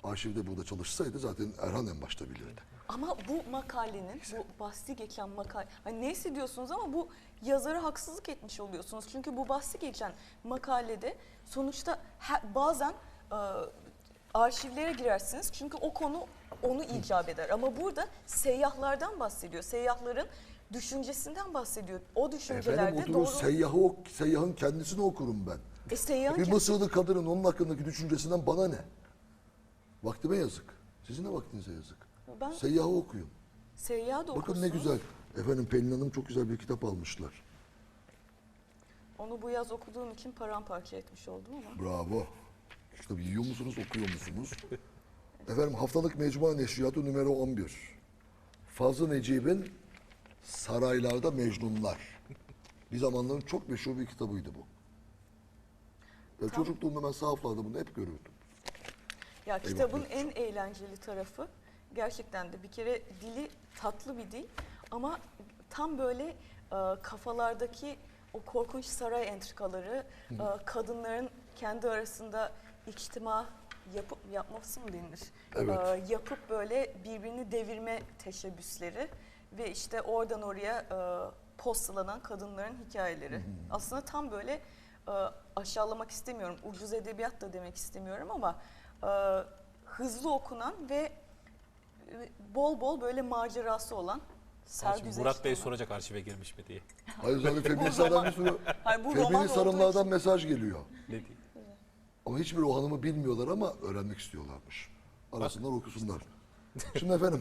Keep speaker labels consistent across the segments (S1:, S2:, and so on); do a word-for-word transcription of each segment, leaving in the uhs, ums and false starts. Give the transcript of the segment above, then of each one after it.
S1: arşivde burada çalışsaydı zaten Erhan en başta bilirdi.
S2: Ama bu makalenin, bu bahsi geçen makale, hani neyse diyorsunuz ama bu yazara haksızlık etmiş oluyorsunuz. Çünkü bu bahsi geçen makalede sonuçta he, bazen e, arşivlere girersiniz. Çünkü o konu onu icap eder. Ama burada seyyahlardan bahsediyor. Seyyahların düşüncesinden bahsediyor. O düşüncelerde
S1: Efendim oturur
S2: doğru...
S1: seyyahı, ok, seyyahın kendisini okurum ben.
S2: E, seyyahın
S1: Bir
S2: ke-
S1: Mısırlı kadının onun hakkındaki düşüncesinden bana ne? Vaktime yazık. Sizin de vaktinize yazık.
S2: Ben
S1: Seyyahı okuyun.
S2: seyyahı da
S1: Bakın
S2: okursunuz.
S1: ne güzel. Efendim Pelin Hanım çok güzel bir kitap almışlar.
S2: Onu bu yaz okuduğum için paramparça etmiş oldum ama.
S1: Bravo. Kitabı yiyor musunuz, okuyor musunuz? Efendim haftalık Mecmua Neşriyatı numara on bir. Fazıl Necip'in Saraylarda Mecnunlar. Bir zamanların çok meşhur bir kitabıydı bu. Ve
S2: Tam-
S1: çocukluğumda ben sahaflarda bunu hep görürdüm.
S2: Ya kitabın
S1: Eyvah.
S2: en eğlenceli tarafı gerçekten de bir kere dili tatlı bir dil ama tam böyle e, kafalardaki o korkunç saray entrikaları, e, kadınların kendi arasında içtima yapıp yapması mı denir?
S1: Evet.
S2: E, yapıp böyle birbirini devirme teşebbüsleri ve işte oradan oraya e, postalanan kadınların hikayeleri. Aslında tam böyle e, aşağılamak istemiyorum, ucuz edebiyat da demek istemiyorum ama e, hızlı okunan ve e, bol bol böyle macerası olan
S3: Şimdi Murat Bey
S2: sergüzeşti.
S3: soracak arşive girmiş mi diye.
S1: Hayır zaten feministlerden bir sürü
S2: Hayır, bu roman
S1: feminist
S2: olduğu
S1: hanımlardan
S2: için-
S1: mesaj geliyor.
S3: Ne diyeyim?
S1: Ama hiçbir o hanımı bilmiyorlar ama öğrenmek istiyorlarmış. Arasınlar okusunlar. Şimdi efendim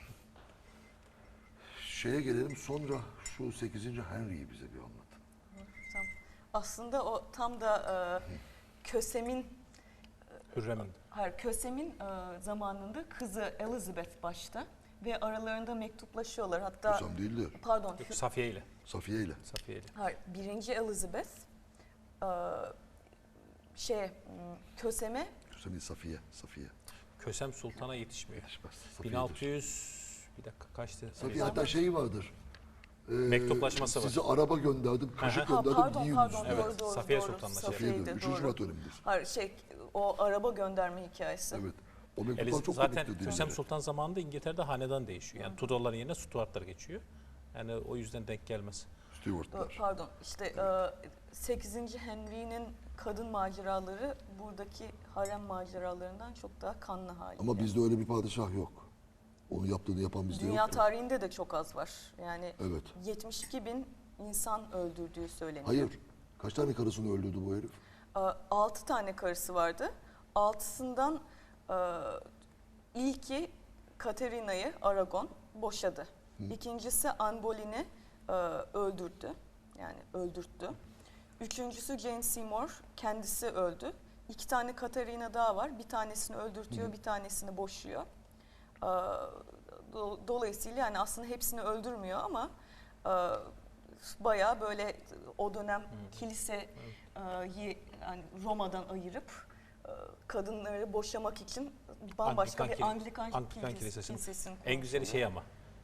S1: şeye gelelim sonra şu sekizinci Henry'yi bize bir anlatın.
S2: Tam- Aslında o tam da e, Kösem'in
S3: Hürrem'in.
S2: hayır Kösem'in e, zamanında kızı Elizabeth başta ve aralarında mektuplaşıyorlar. Hatta
S1: Hüsam değildi.
S2: pardon
S3: Yok,
S2: Hü-
S3: Safiye ile.
S1: Safiye ile.
S3: Safiye ile.
S2: hayır birinci Elizabeth e, şey m, Kösem'e
S1: Hüsam Safiye. Safiye.
S3: Kösem Sultan'a yetişmiyor.
S1: Yetişmez.
S3: bin
S1: Safiye'dir.
S3: altı yüz bir dakika kaçtı?
S1: Safiye hatta şeyi vardır. Ee,
S3: Mektuplaşması var.
S1: Size araba gönderdim, kaşık
S3: Aha.
S2: ha,
S1: gönderdim,
S2: pardon
S1: yiyin
S2: pardon
S1: üstüne.
S3: Evet,
S2: doğru doğru
S3: Safiye
S2: doğru.
S3: Sultan'la şey.
S1: Safiye'dir.
S2: Safiye'ydi,
S1: Üçüncü
S2: doğru.
S1: Murat dönemidir.
S2: Hayır şey o araba gönderme hikayesi.
S1: Evet. O mektuplar
S3: Eliz-
S1: çok
S3: zaten
S1: komiktir
S3: Kösem
S1: diye.
S3: Sultan zamanında İngiltere'de hanedan değişiyor. Yani Tudorların yerine Stuartlar geçiyor. Yani o yüzden denk gelmez.
S2: Doğru,
S1: Stewart'lar.
S2: pardon işte e, sekizinci Henry'nin kadın maceraları buradaki harem maceralarından çok daha kanlı hali.
S1: Ama bizde öyle bir padişah yok. Onu yaptığını yapan bizde
S2: Dünya
S1: yok.
S2: tarihinde de çok az var. Yani
S1: Evet.
S2: yetmiş iki bin insan öldürdüğü söyleniyor.
S1: Hayır. Kaç tane karısını öldürdü bu herif?
S2: altı tane karısı vardı. Altısından e, ilki Katerina'yı Aragon boşadı. İkincisi Anne Boleyn'i e, öldürdü. Yani öldürttü. Üçüncüsü Jane Seymour kendisi öldü. İki tane Katerina daha var. Bir tanesini öldürtüyor, bir tanesini boşuyor. E, do- dolayısıyla yani aslında hepsini öldürmüyor ama e, bayağı böyle o dönem kiliseyi yani Roma'dan ayırıp e, kadınları boşamak için bambaşka
S3: Anglikan
S2: bir
S3: kili-
S2: Anglikan,
S3: Anglikan
S2: kilis-
S3: Kilisesi'nin
S2: kilisesini
S3: En güzeli
S2: kurmuş
S3: şey
S2: oluyor.
S3: ama.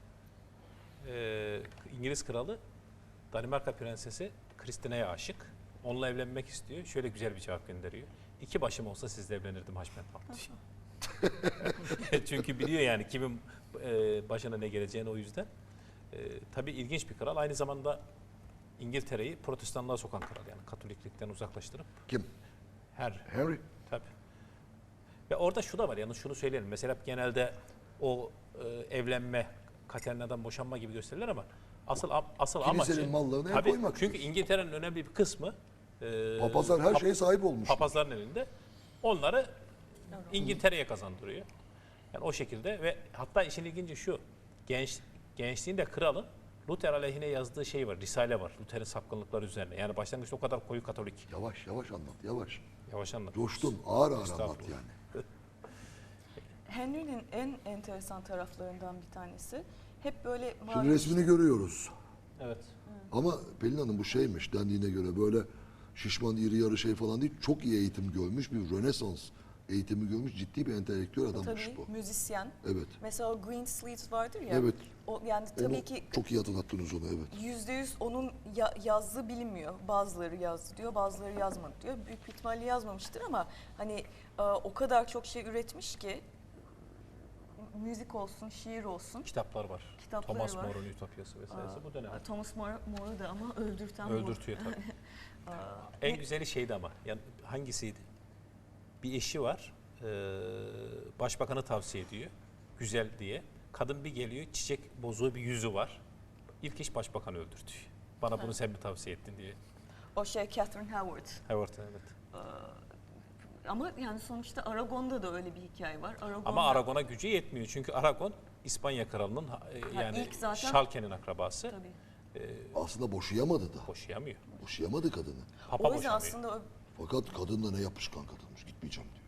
S3: e, İngiliz kralı Danimarka prensesi Kristina'ya aşık. Onunla evlenmek istiyor. Şöyle güzel bir cevap gönderiyor. İki başım olsa sizle evlenirdim Haşmet Bey. Çünkü biliyor yani kimin e, başına ne geleceğini o yüzden. E, tabii ilginç bir kral. Aynı zamanda İngiltere'yi protestanlığa sokan kral. Yani Katoliklikten uzaklaştırıp
S1: Kim?
S3: her
S1: Henry.
S3: tabii. Ve orada şu da var yani şunu söyleyelim. Mesela genelde o e, evlenme, Katerina'dan boşanma gibi gösterilir ama asıl am- asıl
S1: Kilisenin
S3: amacı
S1: mallarını el
S3: tabii,
S1: koymaktır.
S3: çünkü İngiltere'nin önemli bir kısmı e,
S1: Papazlar her
S3: pap-
S1: şeye sahip olmuş.
S3: papazların elinde. Onları İngiltere'ye kazandırıyor. Yani o şekilde ve hatta işin ilginci şu. Genç gençliğinde kralın Luther aleyhine yazdığı şey var. Risale var. Luther'in sapkınlıkları üzerine. Yani başlangıçta o kadar koyu Katolik.
S1: Yavaş yavaş anlat, yavaş.
S3: Yavaş anlat.
S1: Coştun, ağır ağır anlat
S3: Estağfurullah.
S1: yani.
S2: Henry'nin en enteresan taraflarından bir tanesi hep böyle
S1: Şimdi
S2: malum
S1: resmini görüyoruz.
S3: Evet.
S1: Ama Pelin Hanım bu şeymiş dendiğine göre böyle şişman iri yarı şey falan değil. Çok iyi eğitim görmüş bir Rönesans eğitimi görmüş ciddi bir entelektüel adammış
S2: Tabii
S1: bu.
S2: müzisyen.
S1: Evet.
S2: Mesela o Green Sleeves vardır ya.
S1: Evet.
S2: O, yani tabii
S1: Onu
S2: ki
S1: çok iyi hatırlattınız onu, evet.
S2: yüzde yüz onun ya- yazdığı bilinmiyor. Bazıları yazdı diyor, bazıları yazmadı diyor. Büyük bir ihtimalle yazmamıştır ama hani e, o kadar çok şey üretmiş ki müzik olsun, şiir olsun.
S3: Kitaplar var.
S2: Kitapları
S3: Thomas
S2: var.
S3: More'un Ütopyası vesairesi bu dönem.
S2: Thomas More, More'u da ama öldürten More.
S3: Öldürtüyor tabii. En güzeli şeydi ama. Yani hangisiydi? Bir eşi var. Ee, başbakanı tavsiye ediyor. Güzel diye. Kadın bir geliyor. Çiçek bozuğu bir yüzü var. İlk iş başbakanı öldürtüyor. Bana bunu sen mi tavsiye ettin diye.
S2: O şey Catherine Howard.
S3: Evet, evet.
S2: Ama yani sonuçta Aragon'da da öyle bir hikaye var. Aragon'da,
S3: Ama Aragon'a gücü yetmiyor. Çünkü Aragon İspanya kralının e, yani
S2: ilk zaten-
S3: Şalke'nin akrabası.
S2: Tabii.
S1: Aslında boşayamadı da.
S3: Boşayamıyor.
S1: Boşayamadı kadını.
S3: Papa
S2: O yüzden
S3: boşamıyor.
S2: aslında o
S1: Fakat kadın da ne yapışkan kadınmış. Gitmeyeceğim diyor.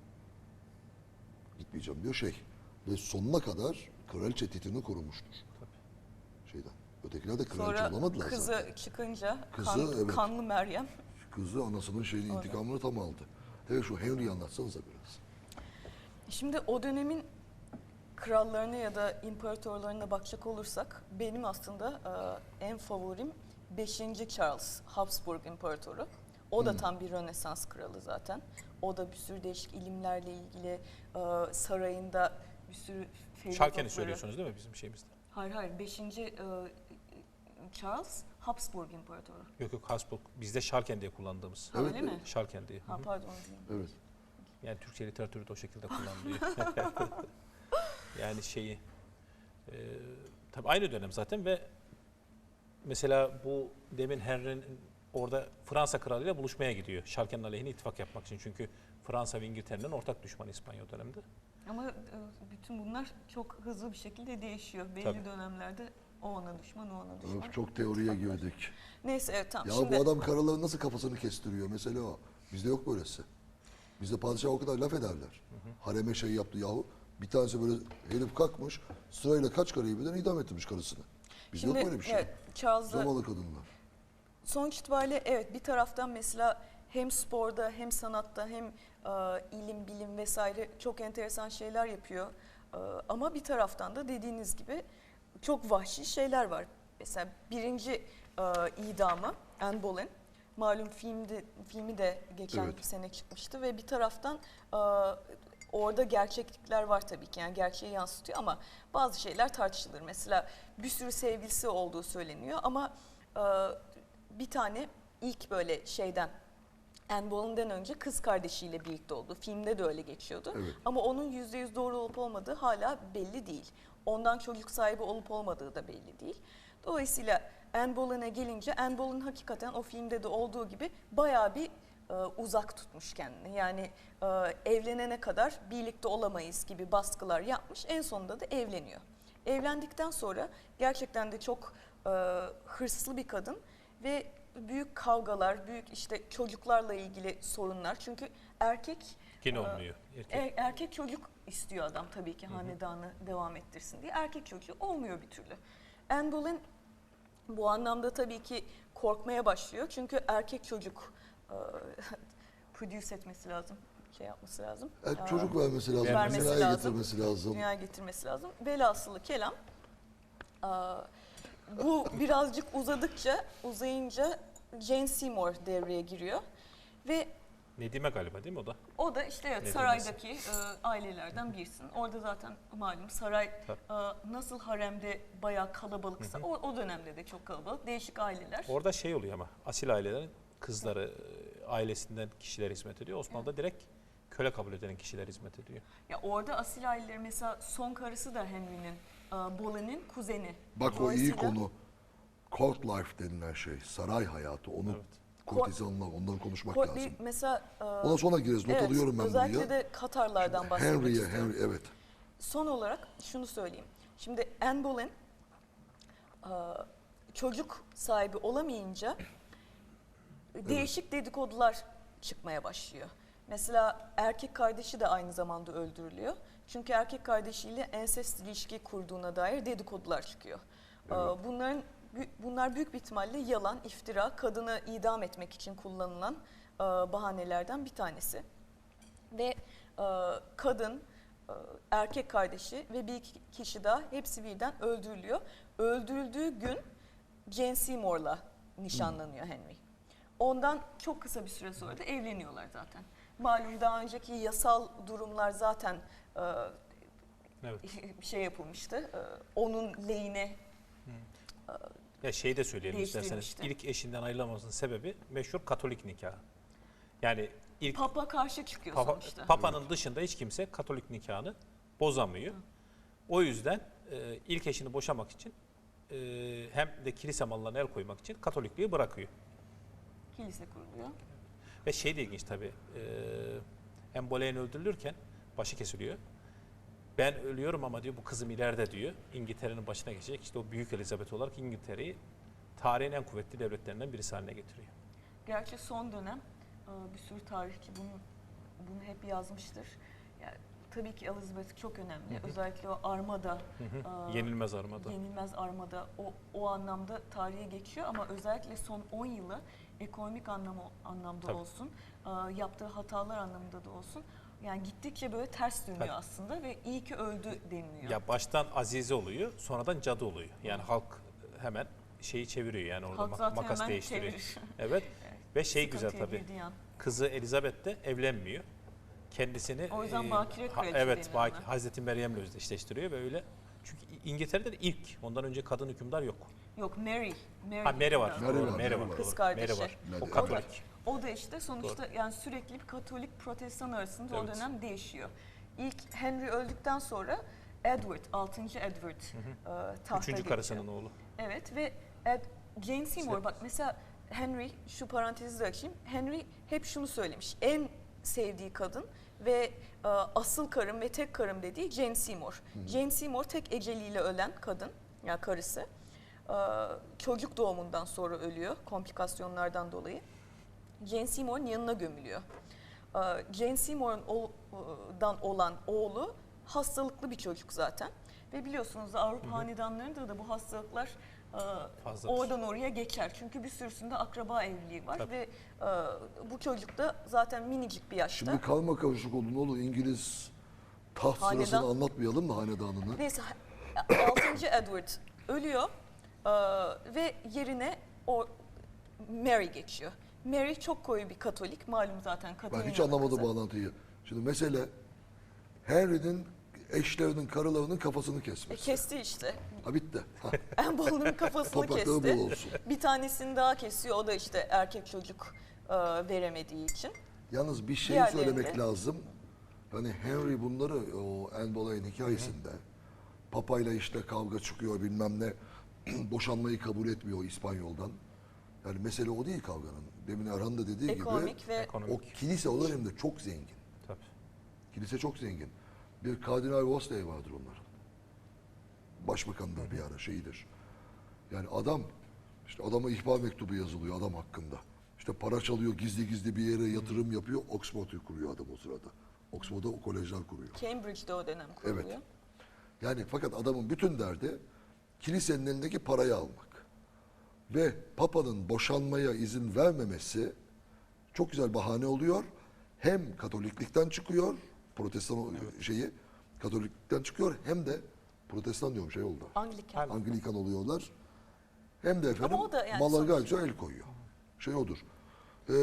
S1: Gitmeyeceğim diyor şey. Ve sonuna kadar kraliçe titrini korumuştur. Şeyden. Ötekiler de kraliçe
S2: sonra
S1: olamadılar
S2: kızı
S1: zaten.
S2: çıkınca
S1: Kızı,
S2: kan-
S1: evet.
S2: kanlı Meryem.
S1: Kızı anasının şeyini, intikamını tam aldı. Evet, şu Henry'yi anlatsanıza biraz.
S2: Şimdi o dönemin krallarına ya da imparatorlarına bakacak olursak benim aslında e, en favorim beşinci Charles Habsburg İmparatoru. O da tam bir Rönesans kralı zaten. O da bir sürü değişik ilimlerle ilgili e, sarayında bir sürü
S3: Şalken'i
S2: felaketleri-
S3: söylüyorsunuz değil mi bizim şeyimizde?
S2: Hayır hayır beşinci Charles Habsburg İmparatoru.
S3: Yok yok, Habsburg. Bizde Şalken diye kullandığımız.
S2: Ha,
S1: Evet,
S2: öyle mi?
S3: Şalken diye.
S2: Ha pardon.
S1: Evet.
S3: Yani Türkçe literatürü de o şekilde kullanılıyor. Yani şeyi e, tabii aynı dönem zaten ve mesela bu demin Henry'nin orada Fransa kralıyla buluşmaya gidiyor. Şalken'in aleyhine ittifak yapmak için. Çünkü Fransa ve İngiltere'nin ortak düşmanı İspanya o dönemde.
S2: Ama e, bütün bunlar çok hızlı bir şekilde değişiyor. Belli
S3: Tabii.
S2: dönemlerde o ona düşman, o ona düşman.
S1: Öf, çok teoriye girdik.
S2: Neyse evet tamam.
S1: Ya
S2: Şimdi
S1: bu adam karaların nasıl kafasını kestiriyor mesela o. Bizde yok böylesi. Bizde padişah o kadar laf ederler. Hareme şey yaptı yahu. Bir tanesi böyle herif kalkmış sırayla kaç karıyı birden idam ettirmiş karısını. Bizde
S2: şimdi
S1: yok böyle bir şey.
S2: evet, Charles'la
S1: Zavallı kadınlar.
S2: sonuç itibariyle evet bir taraftan mesela hem sporda hem sanatta hem e, ilim, bilim vesaire çok enteresan şeyler yapıyor. E, ama bir taraftan da dediğiniz gibi çok vahşi şeyler var. Mesela birinci e, idamı Anne Boleyn. Malum filmde, filmi de geçen
S1: Evet.
S2: sene çıkmıştı ve bir taraftan e, orada gerçeklikler var tabii ki, yani gerçeği yansıtıyor ama bazı şeyler tartışılır. Mesela bir sürü sevgilisi olduğu söyleniyor ama e, bir tane ilk böyle şeyden Anne Boleyn'den önce kız kardeşiyle birlikte oldu. Filmde de öyle geçiyordu.
S1: Evet.
S2: Ama onun yüzde yüz doğru olup olmadığı hala belli değil. Ondan çocuk sahibi olup olmadığı da belli değil. Dolayısıyla Anne Boleyn'e gelince Anne Boleyn hakikaten o filmde de olduğu gibi bayağı bir e, uzak tutmuş kendini. Yani e, evlenene kadar birlikte olamayız gibi baskılar yapmış. En sonunda da evleniyor. Evlendikten sonra gerçekten de çok e, hırslı bir kadın ve büyük kavgalar, büyük işte çocuklarla ilgili sorunlar. Çünkü erkek
S3: Yine
S2: e,
S3: olmuyor. Erkek.
S2: er- erkek çocuk istiyor adam tabii ki hanedanı devam ettirsin diye. Erkek çocuğu olmuyor bir türlü. Anne Boleyn bu anlamda tabii ki korkmaya başlıyor. Çünkü erkek çocuk e, produce etmesi lazım, şey yapması lazım.
S1: Evet,
S2: Aa,
S1: çocuk vermesi lazım,
S2: vermesi
S1: dünyaya
S2: lazım.
S1: getirmesi lazım.
S2: Dünyaya getirmesi lazım. Velhasılı kelam. aa, Bu birazcık uzadıkça, uzayınca Jane Seymour devreye giriyor. Ve
S3: Nedime galiba değil mi o da?
S2: o da işte evet,
S3: Ne
S2: saraydaki e, ailelerden birisin. Orada zaten malum saray
S3: Tabii.
S2: e, nasıl haremde bayağı kalabalıksa o, o dönemde de çok kalabalık. Değişik aileler.
S3: Orada şey oluyor ama asil ailelerin kızları e, ailesinden kişiler hizmet ediyor. Osmanlı'da direkt köle kabul eden kişiler hizmet ediyor.
S2: Ya orada asil aileleri mesela son karısı da Henry'nin, e, Boleyn'in kuzeni.
S1: Bak o iyi
S2: Dolayısıyla-
S1: konu. Court life denilen şey, saray hayatı. Onu
S3: Evet.
S1: kurtizanlar, ondan konuşmak
S2: Ko-
S1: lazım.
S2: bir mesela e,
S1: Ona sonra gireriz. Not
S2: evet,
S1: alıyorum ben
S2: özellikle
S1: buraya.
S2: de Katarlardan bahsetmek
S1: Henry'e,
S2: istiyorum.
S1: Henry, evet.
S2: Son olarak şunu söyleyeyim. Şimdi Anne Boleyn e, çocuk sahibi olamayınca değişik dedikodular çıkmaya başlıyor. Mesela erkek kardeşi de aynı zamanda öldürülüyor. Çünkü erkek kardeşiyle ensest ilişki kurduğuna dair dedikodular çıkıyor. E, Bunların bunlar büyük bir ihtimalle yalan, iftira, kadını idam etmek için kullanılan e, bahanelerden bir tanesi. Ve e, kadın, e, erkek kardeşi ve bir iki kişi daha hepsi birden öldürülüyor. Öldürüldüğü gün Jane Seymour'la nişanlanıyor Henry. Ondan çok kısa bir süre sonra da evleniyorlar zaten. Malum daha önceki yasal durumlar zaten e,
S3: Evet.
S2: şey yapılmıştı. E, onun lehine
S3: Ya şey de söyleyelim isterseniz.
S2: Değiştirilmişti.
S3: İlk eşinden ayrılmasının sebebi meşhur Katolik nikahı. Yani ilk
S2: Papa karşı çıkıyor
S3: Papa,
S2: sonuçta.
S3: Papa'nın dışında hiç kimse Katolik nikahını bozamıyor. O yüzden e, ilk eşini boşamak için e, hem de kilise mallarına el koymak için Katolikliği bırakıyor.
S2: Kilise kuruluyor.
S3: Ve şey de ilginç tabii. E, Anne Boleyn öldürülürken başı kesiliyor. Ben ölüyorum ama diyor bu kızım ileride diyor İngiltere'nin başına geçecek. İşte o Büyük Elizabeth olarak İngiltere'yi tarihin en kuvvetli devletlerinden birisi haline getiriyor.
S2: Gerçi son dönem e, bir sürü tarihçi bunu bunu hep yazmıştır. Yani, tabii ki Elizabeth çok önemli. Özellikle o armada, e,
S3: Yenilmez armada.
S2: yenilmez armada o, o anlamda tarihe geçiyor ama özellikle son on yılı ekonomik anlamı, anlamda
S3: Tabii.
S2: olsun, e, yaptığı hatalar anlamında da olsun. Yani gittikçe böyle ters dönüyor
S3: Tabii.
S2: aslında ve iyi ki öldü deniliyor.
S3: Ya baştan Azize oluyor, sonradan cadı oluyor. Yani halk hemen şeyi çeviriyor yani orada
S2: Halk
S3: mak-
S2: zaten
S3: makas
S2: hemen
S3: değiştiriyor.
S2: çevirir.
S3: Evet. Ve şey güzel
S2: Sıkıntıya
S3: tabii.
S2: girdiği an.
S3: Kızı Elizabeth de evlenmiyor. Kendisini
S2: O yüzden
S3: e,
S2: bakire
S3: ha-
S2: kraliçe
S3: evet,
S2: deniyor
S3: baki,
S2: ona.
S3: Hazreti Meryem'le özdeşleştiriyor ve öyle. Çünkü İngiltere'de de ilk, ondan önce kadın hükümdar yok.
S2: Yok Mary. Mary,
S3: Ha Mary var.
S1: Mary
S3: doğru,
S1: var,
S3: Mary
S1: Mary
S3: var.
S1: var.
S2: Kız
S3: doğru.
S2: kardeşi.
S3: Mary var.
S1: Mary.
S3: O Katolik.
S2: O da işte sonuçta yani sürekli bir Katolik Protestan arasında o
S3: Evet.
S2: dönem değişiyor. İlk Henry öldükten sonra Edward, altıncı Edward e, tahta
S3: Üçüncü
S2: geçiyor.
S3: karısının oğlu.
S2: Evet ve Ed, Jane Seymour
S3: İşte-
S2: bak mesela Henry, şu parantezi de açayım. Henry hep şunu söylemiş. En sevdiği kadın ve e, asıl karım ve tek karım dediği Jane Seymour. Jane Seymour tek eceliyle ölen kadın, yani karısı. E, çocuk doğumundan sonra ölüyor komplikasyonlardan dolayı. Jane Seymour'un yanına gömülüyor. E, Jane Seymour'dan olan oğlu hastalıklı bir çocuk zaten. Ve biliyorsunuz Avrupa hanedanlarında da bu hastalıklar e,
S3: Fazladır.
S2: oradan oraya geçer. Çünkü bir sürüsünde akraba evliliği var
S3: Tabii.
S2: ve e, bu çocuk da zaten minicik bir yaşta.
S1: Şimdi kalma karışık oldu ne olur İngiliz taht
S2: Hanedan-
S1: sırasını anlatmayalım mı hanedanını?
S2: Neyse altıncı Edward ölüyor e, ve yerine o Mary geçiyor. Mary çok koyu bir Katolik, malum zaten
S1: Ben
S2: Katolik.
S1: hiç anlamadım bağlantıyı. Şimdi mesele Henry'nin eşlerinin, karılarının kafasını
S2: E,
S1: kesmesi.
S2: kesti işte.
S1: Ha bitti. Ha,
S2: En balının kafasını
S1: toprakları
S2: kesti.
S1: bol olsun.
S2: Bir tanesini daha kesiyor. O da işte erkek çocuk e, veremediği için.
S1: Yalnız bir şey
S2: Diğerlerinde-
S1: söylemek lazım. Hani Henry bunları o Anne Boleyn hikayesinde papayla işte kavga çıkıyor bilmem ne boşanmayı kabul etmiyor İspanyol'dan. Yani mesele o değil kavganın. Demin Erhan da dediği
S2: Ekonomik
S1: gibi
S2: ve
S1: o
S3: Ekonomik.
S1: kilise o dönemde çok zengin.
S3: Tabii.
S1: Kilise çok zengin. Bir Kardinal Wolsey vardır onların. Başbakandır bir ara şeyidir. Yani adam, işte adama ihbar mektubu yazılıyor adam hakkında. İşte para çalıyor, gizli gizli bir yere yatırım yapıyor. Oxford'u kuruyor adam o sırada. Oxford'da o kolejler kuruyor.
S2: Cambridge'de o dönem kuruluyor.
S1: Evet. Yani fakat adamın bütün derdi kilisenin elindeki parayı almak. Ve Papa'nın boşanmaya izin vermemesi çok güzel bahane oluyor. Hem Katoliklikten çıkıyor, Protestan o- şeyi Katoliklikten çıkıyor hem de Protestan diyorum şey oldu.
S2: Anglikan.
S1: Anglikan oluyorlar. Hem de efendim
S2: o da yani
S1: mallar
S2: sonuçta-
S1: gayet güzel el koyuyor. Şey odur. Ee,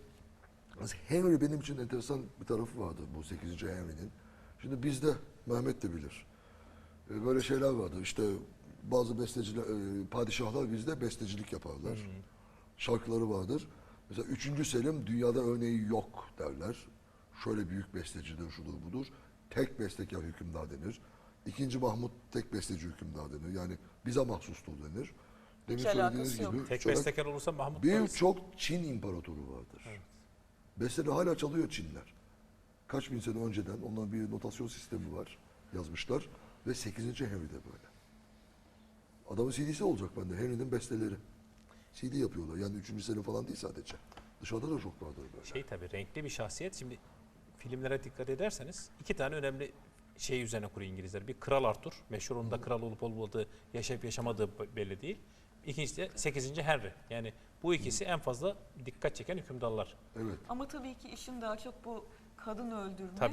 S1: Henry benim için enteresan bir tarafı vardı bu sekizinci Henry'nin. Şimdi bizde Mehmet de bilir. Ee, böyle şeyler vardı. İşte bazı besteciler, e, padişahlar bizde bestecilik yaparlar. Şarkıları vardır. Mesela üçüncü Selim dünyada örneği yok derler. Şöyle büyük bestecidir, şudur budur. Tek bestekar hükümdar denir. İkinci Mahmut tek besteci hükümdar denir. Yani bize mahsustur denir. Demin
S2: Hiç
S1: söylediğiniz
S2: alakası yok.
S1: gibi
S3: Tek
S1: şöyle
S3: bestekar olursa Mahmut Paris.
S1: birçok Çin imparatoru vardır. Besteleri hala çalıyor Çinler. Kaç bin sene önceden onların bir notasyon sistemi var yazmışlar ve sekizinci Henry de böyle. Adamın C D'si olacak bende. Henry'nin besteleri. C D yapıyorlar. Yani üçüncü sene falan değil sadece. Dışarıda da çok vardır böyle.
S3: Şey tabii renkli bir şahsiyet. Şimdi filmlere dikkat ederseniz iki tane önemli şey üzerine kuruyor İngilizler. Bir Kral Arthur. Meşhur onun da kral olup olmadığı, yaşayıp yaşamadığı belli değil. İkincisi de sekizinci Henry. Yani bu ikisi en fazla dikkat çeken hükümdarlar.
S1: Evet.
S2: Ama tabii ki işin daha çok bu kadın öldürme
S3: Tabii.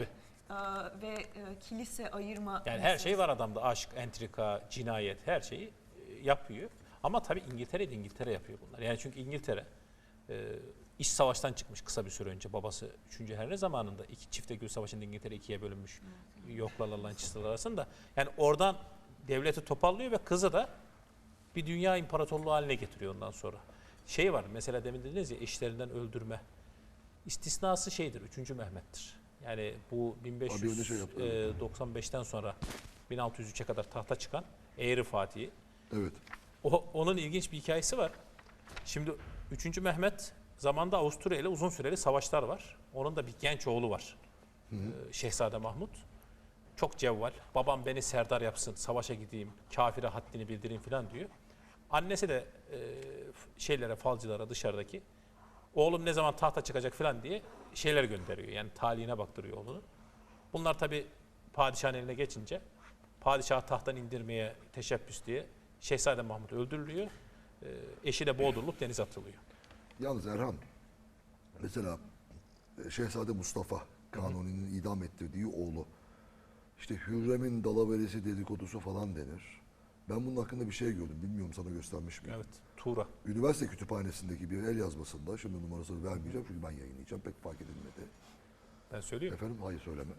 S2: e, ve e, kilise ayırma.
S3: Yani her
S2: meselesi.
S3: şey var adamda. Aşk, entrika, cinayet her şeyi e, yapıyor. Ama tabii İngiltere de İngiltere yapıyor bunlar. Yani çünkü İngiltere e, iç savaştan çıkmış kısa bir süre önce. Babası üçüncü Henry zamanında iki çifte gül savaşında İngiltere ikiye bölünmüş. Yoklarla Lancaster'lar arasında. Yani oradan devleti toparlıyor ve kızı da bir dünya imparatorluğu haline getiriyor ondan sonra. Şey var mesela demin dediniz ya eşlerinden öldürme. İstisnası şeydir üçüncü Mehmet'tir. Yani bu
S1: Abi öyle şey yaptı, evet.
S3: bin beş yüz doksan beşten sonra bin altı yüz üçe kadar tahta çıkan Eğri Fatih'i.
S1: Evet.
S3: O, onun ilginç bir hikayesi var. Şimdi üçüncü Mehmet zamanında Avusturya ile uzun süreli savaşlar var. Onun da bir genç oğlu var. Ee, Şehzade Mahmut. Çok cevval. Babam beni serdar yapsın, savaşa gideyim, kafire haddini bildireyim falan diyor. Annesi de e, şeylere, falcılara dışarıdaki oğlum ne zaman tahta çıkacak falan diye şeyler gönderiyor. Yani talihine baktırıyor oğlunu. Bunlar tabii padişahın eline geçince padişahı tahttan indirmeye teşebbüs diye Şehzade Mahmut öldürülüyor. E, eşi de boğdurulup denize atılıyor.
S1: Yalnız Erhan, mesela e, Şehzade Mustafa Kanuni'nin idam ettirdiği oğlu, işte Hürrem'in dalaveresi dedikodusu falan denir. Ben bunun hakkında bir şey gördüm. Bilmiyorum sana göstermiş miyim?
S3: Evet, Tuğra.
S1: Üniversite kütüphanesindeki bir el yazmasında, şimdi numarasını vermeyeceğim çünkü ben yayınlayacağım, pek fark edilmedi.
S3: Ben söyleyeyim.
S1: Efendim, hayır söyleme.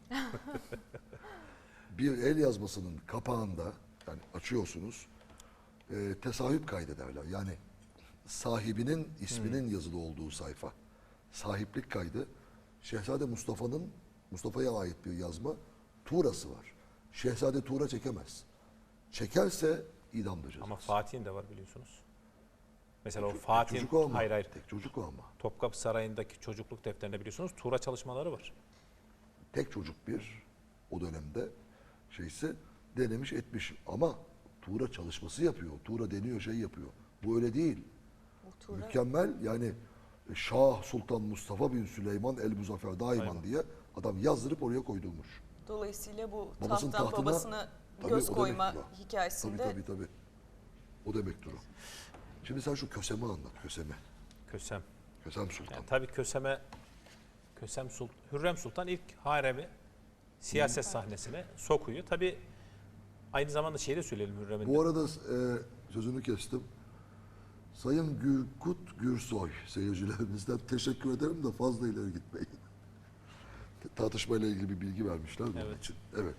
S1: Bir el yazmasının kapağında, yani açıyorsunuz, e, tesahüp kaydederler. Yani sahibinin isminin yazılı olduğu sayfa. Sahiplik kaydı. Şehzade Mustafa'nın, Mustafa'ya ait bir yazma, Tuğra'sı var. Şehzade Tuğra çekemez. Çekerse idamdır cezası.
S3: Ama Fatih'in de var biliyorsunuz. Mesela o
S1: Tek
S3: Fatih'in,
S1: çocuk o ama.
S3: hayır hayır,
S1: Tek çocuk o ama.
S3: Topkapı Sarayı'ndaki çocukluk defterinde biliyorsunuz Tuğra çalışmaları var.
S1: Tek çocuk bir o dönemde şeyse denemiş etmiş ama Tuğra çalışması yapıyor. Tuğra deniyor şey yapıyor. Bu öyle değil.
S2: O Tuğra-
S1: Mükemmel yani Şah Sultan Mustafa bin Süleyman el Muzaffer Daiman
S3: Aynen.
S1: diye adam yazdırıp oraya koydurmuş.
S2: Dolayısıyla bu
S1: Babasının
S2: tahttan
S1: tahtına-
S2: babasına
S1: Tabii,
S2: göz
S1: o
S2: koyma
S1: demektir o.
S2: hikayesinde
S1: Tabii tabii tabii. O demektir o. Şimdi sen şu Kösem'i anlat. Kösem'i.
S3: Kösem.
S1: Kösem Sultan.
S3: Yani tabii Kösem'e Kösem Sultan, Hürrem Sultan ilk haremi siyaset sahnesine sokuyor. Tabii aynı zamanda şey de söyleyelim Hürrem'in. de.
S1: Bu arada e, sözünü kestim. Sayın Gürkut Gürsoy seyircilerimizden teşekkür ederim de fazla ileri gitmeyin. Tartışmayla ilgili bir bilgi vermişler de onun
S3: Evet.
S1: için. Evet,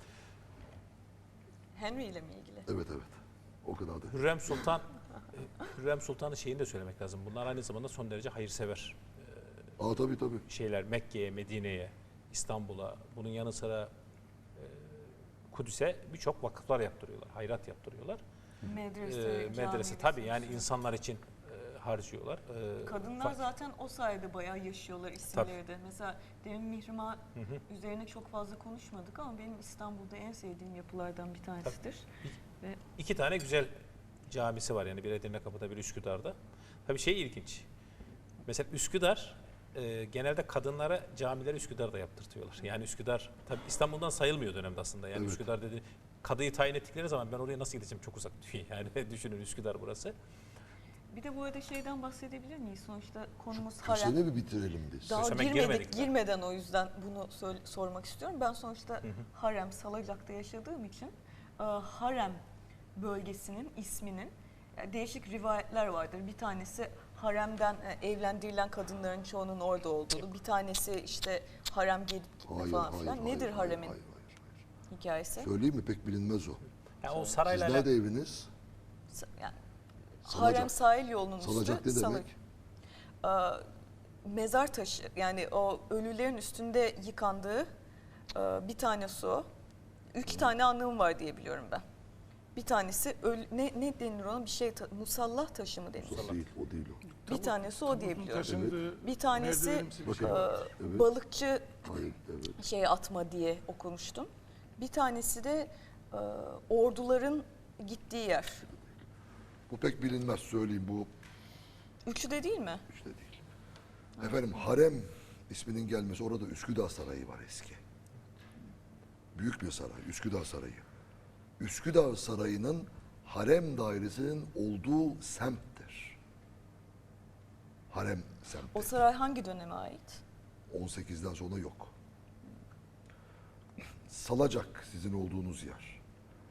S2: Henry ile mi ilgili?
S1: evet, evet. O kadar da.
S3: Hürrem Sultan Hürrem Sultan'ın şeyini de söylemek lazım. Bunlar aynı zamanda son derece hayırsever
S1: Aa tabii tabii.
S3: şeyler. Mekke'ye, Medine'ye, İstanbul'a, bunun yanı sıra e, Kudüs'e birçok vakıflar yaptırıyorlar, hayrat yaptırıyorlar.
S2: Medrese,
S3: E,
S2: cami
S3: medrese tabii yani insanlar için e, harcıyorlar. E,
S2: Kadınlar
S3: fa-
S2: zaten o sayede bayağı yaşıyorlar isimleri de. Mesela demin Mihrimah üzerine çok fazla konuşmadık ama benim İstanbul'da en sevdiğim yapılardan bir tanesidir. Ve
S3: İki tane güzel camisi var yani bir Edirnekapı'da bir Üsküdar'da. Tabii şey ilginç. Mesela Üsküdar e, genelde kadınlara camileri Üsküdar'da yaptırtıyorlar. Yani Üsküdar tabii İstanbul'dan sayılmıyor dönemde aslında. Yani
S1: Evet.
S3: Üsküdar dedi kadıyı tayin ettikleri zaman ben oraya nasıl gideceğim çok uzak diyor. Yani düşünün Üsküdar burası.
S2: bir de bu arada şeyden bahsedebilir miyiz? Sonuçta konumuz harem.
S1: Kösemi bir bitirelim biz.
S2: Daha
S3: Köseme
S2: girmedik,
S3: girmedik daha.
S2: girmeden o yüzden bunu söyle- sormak istiyorum. Ben sonuçta harem, Salacak'ta yaşadığım için e, harem bölgesinin isminin e, değişik rivayetler vardır. Bir tanesi haremden e, evlendirilen kadınların çoğunun orada olduğu, bir tanesi işte harem gelip gitme
S1: Hayır,
S2: falan
S1: hayır,
S2: filan.
S1: hayır,
S2: Nedir
S1: hayır,
S2: haremin
S1: hayır, hayır.
S2: hikayesi?
S1: Söyleyeyim mi? Pek bilinmez o.
S3: Yani o
S1: Siz
S3: sarayla
S1: nerede eviniz?
S2: Sa- Yani,
S1: Salacak.
S2: harem sahil yolunun üstü.
S1: Salacak ne
S2: Salı-
S1: demek?
S2: Ee, mezar taşı yani o ölülerin üstünde yıkandığı e, bir tane su. İki tane anlamı var diye biliyorum ben. Bir tanesi ölü, ne, ne denir ona bir şey ta- musallah taşı mı denir?
S1: O değil, o değil o.
S2: Bir tanesi o diye biliyorum.
S4: Taşındığı
S2: Bir tanesi
S4: merdivenimsi bir
S1: Bakın.
S4: şey.
S2: e,
S1: Evet.
S2: balıkçı
S1: Hayır, evet.
S2: şey atma diye okumuştum. Bir tanesi de e, orduların gittiği yer.
S1: Bu pek bilinmez söyleyeyim bu
S2: Üçü de değil mi?
S1: işte değil. Efendim harem isminin gelmesi orada Üsküdar Sarayı var eski. Büyük bir saray, Üsküdar Sarayı. Üsküdar Sarayı'nın harem dairesinin olduğu semttir. Harem semti.
S2: O saray hangi döneme ait?
S1: on sekizden sonra yok. Salacak sizin olduğunuz yer.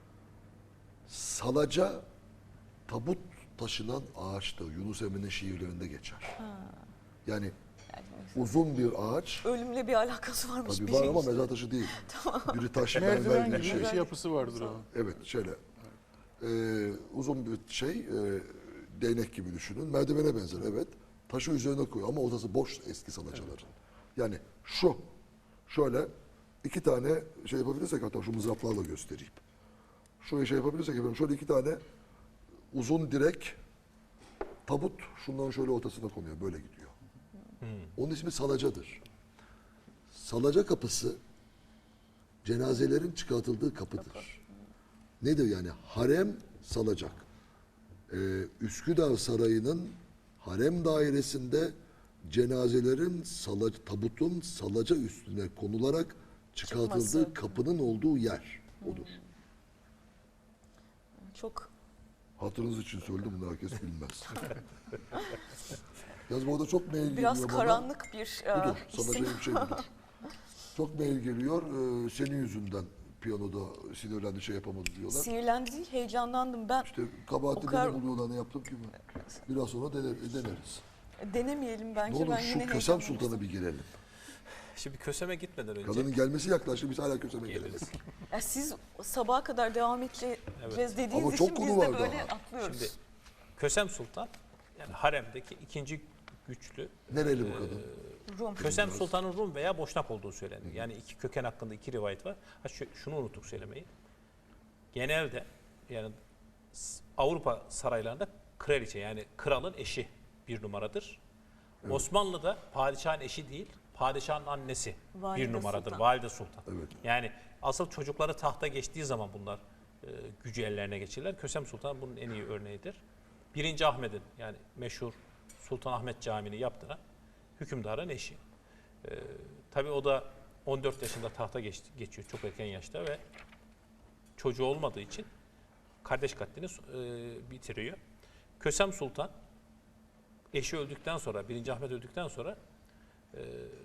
S1: Salaca tabut taşınan ağaçtır. Yunus Emre'nin şiirlerinde geçer. Yani uzun bir ağaç.
S2: Ölümle bir alakası varmış.
S1: Tabii
S2: bir
S1: var
S2: şey
S1: ama
S2: işte.
S1: mezar taşı değil. Biri taş mermer
S4: Merdiven
S1: gibi
S4: gibi
S1: bir
S4: bir
S1: şey.
S4: şey yapısı vardır o.
S1: Evet şöyle. Ee, uzun bir şey, e, değnek gibi düşünün. Merdivene benzer evet. Taşı üzerine koyuyor ama ortası boş eski salacaların. Yani şu, şöyle iki tane şey yapabilirsek, hatta şu mızraplarla göstereyim. Şöyle şey yapabilirsek efendim, şöyle iki tane uzun direk tabut şundan şöyle ortasına konuyor, böyle gidiyor. Onun ismi salacadır. Salaca kapısı cenazelerin çıkartıldığı kapıdır. Nedir yani? Harem salacak. Ee, Üsküdar Sarayı'nın harem dairesinde cenazelerin salac, tabutun salaca üstüne konularak çıkartıldığı
S2: Çıkması.
S1: kapının olduğu yer odur.
S2: Çok
S1: Hatırınız için söyledim, bunu herkes bilmez. Yalnız bu arada çok mail
S2: biraz
S1: geliyor bana.
S2: karanlık bir e,
S1: Budur,
S2: isim.
S1: salaca bir şey budur. Çok mail geliyor, ee, senin yüzünden piyanoda sinirlendi, şey yapamadı diyorlar.
S2: Sinirlendi değil, heyecanlandım. Ben
S1: İşte kabahati
S2: O kadar-
S1: benim buluyorlar, ne yaptım ki ben? Biraz sonra dener, deneriz.
S2: denemeyelim
S1: Ne
S2: bence.
S1: olur
S2: ben
S1: şu
S2: yine
S1: Kösem
S2: heyecanlandım.
S1: Sultan'a bir girelim.
S3: Şimdi Kösem'e gitmeden önce
S1: Kadının gelmesi yaklaştı, biz hala Kösem'e
S3: geliriz.
S1: geliriz.
S2: Ya siz sabaha kadar devam edeceğiz dediğiniz
S1: Ama
S2: için
S1: çok konu
S2: biz
S1: var
S2: de böyle
S1: daha.
S2: atlıyoruz.
S3: Şimdi Kösem Sultan yani haremdeki ikinci güçlü.
S1: Nereli bu kadın?
S2: Rum.
S3: Kösem Sultan'ın Rum veya Boşnak olduğu söyleniyor. Yani iki köken hakkında iki rivayet var. Ha şu, şunu unuttuk söylemeyi. Genelde yani s- Avrupa saraylarında kraliçe yani kralın eşi bir numaradır. Osmanlı'da padişahın eşi değil, padişahın annesi
S2: Valide
S3: bir numaradır.
S2: Sultan.
S3: Valide Sultan.
S1: Evet.
S3: Yani asıl çocukları tahta geçtiği zaman bunlar e, gücü ellerine geçirirler. Kösem Sultan bunun en iyi örneğidir. Birinci Ahmet'in yani meşhur Sultan Ahmet Camii'ni yaptıran hükümdarın eşi. Ee, tabii o da on dört yaşında tahta geçti, geçiyor çok erken yaşta ve çocuğu olmadığı için kardeş katlini e, bitiriyor. Kösem Sultan eşi öldükten sonra, birinci Ahmet öldükten sonra e,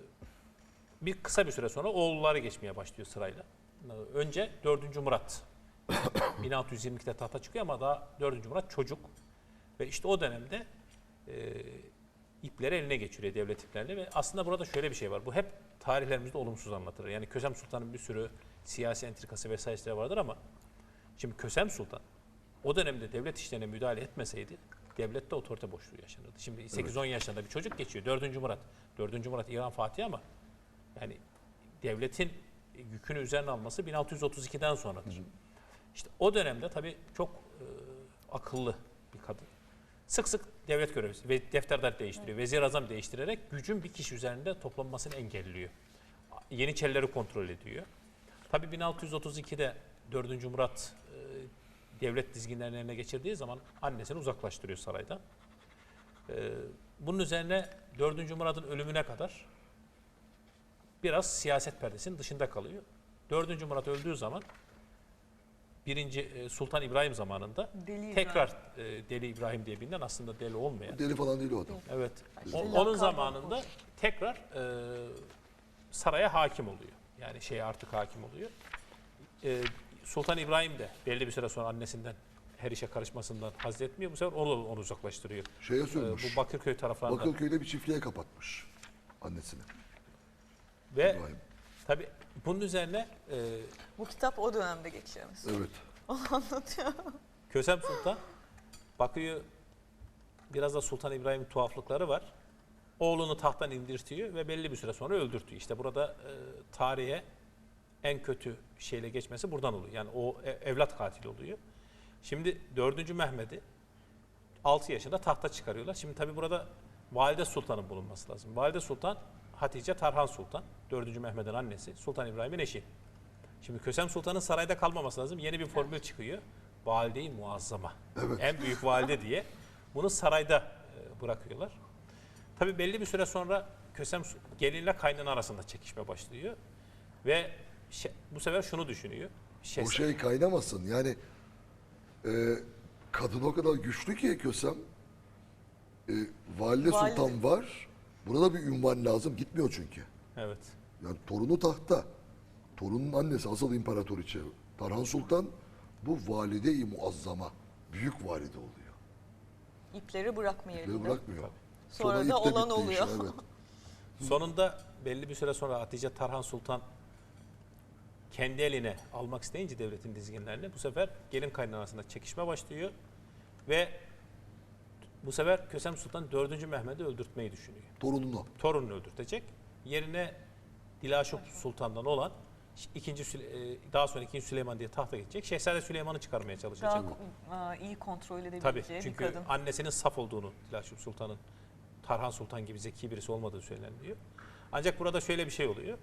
S3: bir kısa bir süre sonra oğulları geçmeye başlıyor sırayla. Önce dördüncü Murat bin altı yüz yirmi ikide tahta çıkıyor ama daha dördüncü Murat çocuk. Ve işte o dönemde e, ipleri eline geçiriyor devlet iplerini ve aslında burada şöyle bir şey var. Bu hep tarihlerimizde olumsuz anlatılır. Yani Kösem Sultan'ın bir sürü siyasi entrikası vesaireleri vardır ama şimdi Kösem Sultan o dönemde devlet işlerine müdahale etmeseydi devlette otorite boşluğu yaşanırdı. Şimdi sekiz on yaşlarında bir çocuk geçiyor. dördüncü Murat. dördüncü Murat İran Fatihi ama yani devletin yükünü üzerine alması bin altı yüz otuz ikiden sonradır. İşte o dönemde tabii çok e, akıllı bir kadın. Sık sık devlet görevlisi ve defterler değiştiriyor. Vezir azam değiştirerek gücün bir kişi üzerinde toplanmasını engelliyor. Yeniçerileri kontrol ediyor. Tabii bin altı yüz otuz ikide dördüncü Murat e, devlet dizginlerini eline geçirdiği zaman annesini uzaklaştırıyor saraydan. E, bunun üzerine dördüncü Murat'ın ölümüne kadar biraz siyaset perdesinin dışında kalıyor. dördüncü Murat öldüğü zaman birinci e, Sultan İbrahim zamanında
S2: Deli
S3: tekrar e, Deli İbrahim diye bilinen aslında deli olmayan.
S1: Deli falan değil o adam.
S3: Evet.
S2: İşte
S3: O-
S2: lakabı
S3: onun zamanında
S2: hoş.
S3: tekrar e, saraya hakim oluyor. Yani şeye artık hakim oluyor. E, Sultan İbrahim de belli bir süre sonra annesinden her işe karışmasından haz etmiyor. Bu sefer onu, onu uzaklaştırıyor.
S1: Şeye
S3: E,
S1: sürmüş.
S3: bu Bakırköy taraflarında.
S1: Bakırköy'de bir çiftliğe kapatmış annesini.
S3: Ve
S1: İbrahim.
S3: tabii bunun üzerine e,
S2: Bu kitap o dönemde geçiyor mesela.
S1: Evet.
S2: Anlatıyor.
S3: Kösem Sultan bakıyor biraz da Sultan İbrahim'in tuhaflıkları var. Oğlunu tahttan indirtiyor ve belli bir süre sonra öldürtüyor. İşte burada e, tarihe en kötü şeyle geçmesi buradan oluyor. Yani o e- evlat katili oluyor. Şimdi dördüncü Mehmet'i altı yaşında tahta çıkarıyorlar. Şimdi tabii burada Valide Sultan'ın bulunması lazım. Valide Sultan Hatice Tarhan Sultan. dördüncü Mehmet'in annesi. Sultan İbrahim'in eşi. Şimdi Kösem Sultan'ın sarayda kalmaması lazım. Yeni bir formül çıkıyor. Valide-i Muazzama. En büyük valide diye. Bunu sarayda e, bırakıyorlar. Tabii belli bir süre sonra Kösem gelinle kaynana arasında çekişme başlıyor. Ve şe- bu sefer şunu düşünüyor.
S1: O
S3: Şehzade-
S1: şey kaynamasın. Yani e, kadın o kadar güçlü ki Kösem. E, Valide
S2: Valide.
S1: Sultan var. Burada bir ünvan lazım. Gitmiyor çünkü.
S3: Evet.
S1: Yani torunu tahta. torunun annesi asıl imparatoriçe Tarhan Sultan bu valide-i muazzama, büyük valide oluyor.
S2: İpleri bırakmıyor
S1: Ipleri
S2: elinde.
S1: bırakmıyor.
S2: Sonra
S1: ip
S2: da
S1: de
S2: olan
S1: bitti
S2: oluyor.
S1: işte, evet.
S3: Sonunda belli bir süre sonra Hatice Tarhan Sultan kendi eline almak isteyince devletin dizginlerini bu sefer gelin kaynanasında çekişme başlıyor ve bu sefer Kösem Sultan dördüncü Mehmet'i öldürtmeyi düşünüyor.
S1: Torununu.
S3: Torununu öldürtecek. Yerine Dilaşop Sultan'dan olan ikinci Süle- e, daha sonra ikinci Süleyman diye tahta geçecek. Şehzade Süleyman'ı çıkarmaya çalışacak.
S2: Daha ko- iyi kontrol
S3: Tabii
S2: edebileceği bir
S3: çünkü
S2: kadın.
S3: annesinin saf olduğunu, Dilaşop Sultan'ın Tarhan Sultan gibi zeki birisi olmadığı söyleniyor. Ancak burada şöyle bir şey oluyor.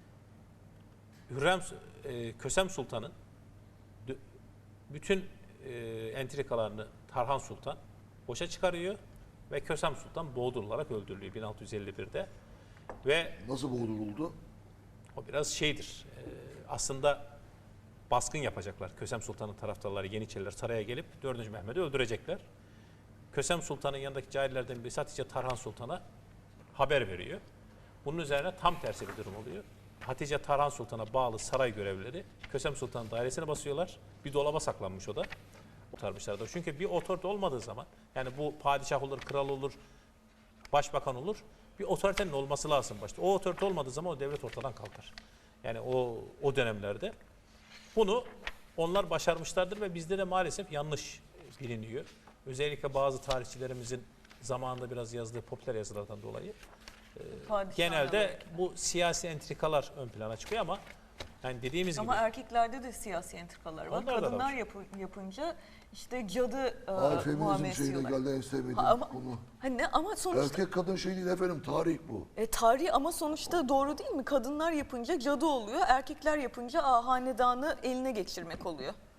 S3: Hürrem, e, Kösem Sultan'ın dü- bütün e, entrikalarını Tarhan Sultan boşa çıkarıyor ve Kösem Sultan boğdurularak öldürülüyor bin altı yüz elli birde. Ve
S1: Nasıl boğduruldu?
S3: o biraz şeydir. e, aslında baskın yapacaklar. Kösem Sultan'ın taraftarları, Yeniçeriler saraya gelip dördüncü Mehmet'i öldürecekler. Kösem Sultan'ın yanındaki cahillerden birisi Hatice Tarhan Sultan'a haber veriyor. Bunun üzerine tam tersi bir durum oluyor. Hatice Tarhan Sultan'a bağlı saray görevlileri Kösem Sultan'ın dairesine basıyorlar. Bir dolaba saklanmış o da. Kurtarmışlardır. Çünkü bir otorite olmadığı zaman, yani bu padişah olur, kral olur, başbakan olur, bir otoritenin olması lazım başta. O otorite olmadığı zaman o devlet ortadan kalkar. Yani o o dönemlerde bunu onlar başarmışlardır ve bizde de maalesef yanlış biliniyor. Özellikle bazı tarihçilerimizin zamanında biraz yazdığı popüler yazılardan dolayı
S2: Padişahla
S3: genelde
S2: belki.
S3: bu siyasi entrikalar ön plana çıkıyor ama yani dediğimiz
S2: Ama
S3: gibi
S2: erkeklerde de siyasi entrikalar var.
S3: Onlarda da
S2: Kadınlar
S3: var.
S2: yapı- yapınca işte cadı e,
S1: Ay feminizm
S2: muamelesi
S1: şeyine
S2: yiyorlar.
S1: geldi en sevmediğim
S2: Ha, ama,
S1: konu.
S2: hani ne, ama sonuçta
S1: Erkek kadın şey değil efendim, tarih bu.
S2: e, tarih ama sonuçta doğru değil mi? Kadınlar yapınca cadı oluyor, erkekler yapınca aa, hanedanı eline geçirmek oluyor.